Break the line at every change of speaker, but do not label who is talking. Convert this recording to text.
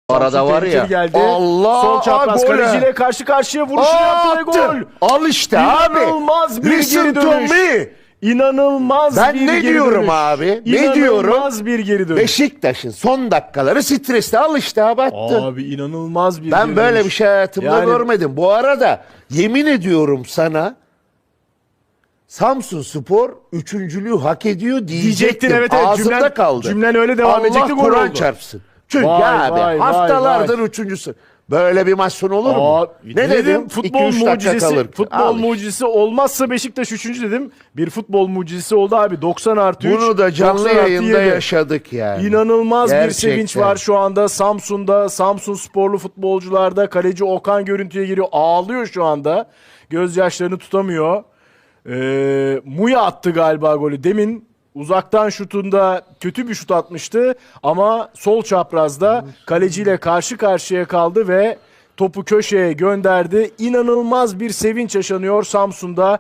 Arada var ya.
Geldi.
Allah,
sol çapraz
gol.
kaleciyle karşı karşıya vuruşunu yaptı ve gol.
Al işte abi.
İnanılmaz bir
Listen
geri
to
dönüş.
me.
İnanılmaz
Ben
bir
ne
geri
diyorum
dönüş.
abi? Ne diyorum?
İnanılmaz bir geri dönüş.
Beşiktaş'ın son dakikaları stresli, al işte abi, attı.
Abi inanılmaz bir
Ben
geri
böyle
dönüş.
bir şey hayatımda
Yani-
görmedim. Bu arada yemin ediyorum sana, Samsunspor üçüncülüğü hak ediyor diyecektim.
evet,
Ağzımda kaldı.
Cümlen öyle devam edecekti, gol
Kur'an
oldu.
çarpsın. Çünkü
Vay,
abi
vay,
haftalardır
vay.
üçüncüsü. Böyle bir maç sonu olur mu?
Ne dedim? Futbol
2-3 dakika
mucizesi,
kalır.
futbol
Al işte.
mucizesi olmazsa Beşiktaş 3. dedim. Bir futbol mucizesi oldu abi. 90+3.
Bunu da canlı
90+7.
yayında yaşadık yani.
İnanılmaz bir
Gerçekten.
sevinç var şu anda Samsun'da, Samsun sporlu futbolcularda. Kaleci Okan görüntüye giriyor. Ağlıyor şu anda. Gözyaşlarını tutamıyor. Muya attı galiba golü. Demin uzaktan şutunda kötü bir şut atmıştı. Ama sol çaprazda kaleciyle karşı karşıya kaldı ve topu köşeye gönderdi. İnanılmaz bir sevinç yaşanıyor Samsun'da.